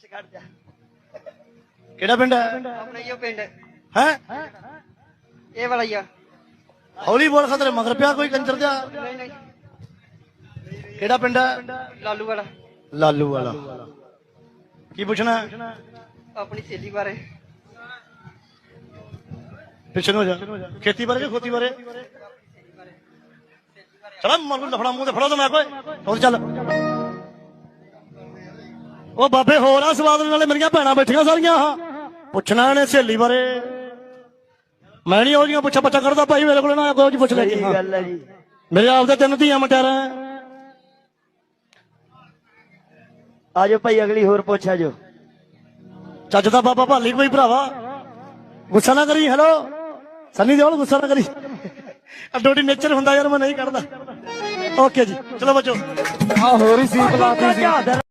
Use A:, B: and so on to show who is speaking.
A: ਕਿਹੜਾ ਪਿੰਡ ਹੈ?
B: ਆਪਣਾ ਹੀ ਉਹ ਪਿੰਡ
A: ਹੈ
B: ਇਹ ਵਾਲਾ ਹੀ ਆ।
A: ਹੌਲੀ ਬੋਲ ਖਤਰੇ ਮਗਰ ਪਿਆ ਕੋਈ ਕੰਜਰ ਦਿਆ।
B: ਨਹੀਂ ਨਹੀਂ
A: ਕਿਹੜਾ ਪਿੰਡ ਹੈ?
B: ਲਾਲੂ ਵਾਲਾ।
A: ਲਾਲੂ ਵਾਲਾ। ਕੀ ਪੁੱਛਣਾ?
B: ਆਪਣੀ ਸਹੇਲੀ ਬਾਰੇ।
A: ਪਿੱਛੇ ਨੂੰ ਹੋ ਜਾ। ਖੇਤੀ ਬਾਰੇ ਕਿ ਖੋਤੀ ਬਾਰੇ? ਚਲ ਮਨ ਨੂੰ ਲਫੜਾ ਮੂੰਹ ਤੇ ਫੜੋ ਤਾਂ ਮੈਂ ਕੋਈ ਹੋਰ ਚੱਲ। ਉਹ ਬਾਬੇ ਹੋਰ ਆ ਸਵਾਦ ਨਾਲੇ ਮੇਰੀਆਂ ਭੈਣਾਂ ਬੈਠੀਆਂ ਸਾਰੀਆਂ। ਆਹ ਪੁੱਛਣਾ ਇਹਨੇ ਸਹੇਲੀ ਬਾਰੇ। ਮੈਂ ਨਹੀਂ ਉਹ ਜੀਆਂ ਪੁੱਛਾ ਬੱਚਾ ਕਰਦਾ ਭਾਈ ਮੇਰੇ ਕੋਲ ਨਾ ਕੋਈ ਪੁੱਛ ਲੈ ਜੀ।
C: ਗੱਲ ਹੈ ਜੀ।
A: ਮੇਰੇ ਆਪਦੇ 3 ਧੀਆਂ ਮਟਿਆਰਾਂ।
C: ਆਜੋ ਭਾਈ ਅਗਲੀ ਹੋਰ ਪੁੱਛ ਆਜੋ।
A: ਚੱਜ ਦਾ ਬਾਬਾ ਭਾਲੀ ਕੋਈ ਭਰਾਵਾ ਗੁੱਸਾ ਨਾ ਕਰੀ। ਹੈਲੋ ਸੰਨੀ ਦਿਓਲ ਗੁੱਸਾ ਨਾ ਕਰੀ। ਅੱਡੋਡੀ ਨੇਚਰ ਹੁੰਦਾ ਯਾਰ ਮੈਂ ਨਹੀਂ ਕੱਢਦਾ। ਓਕੇ ਜੀ ਚਲੋ ਬੱਚੋ।
C: ਆ ਹੋਰ ਹੀ ਸੀ ਪਲਾਤੀ ਸੀ।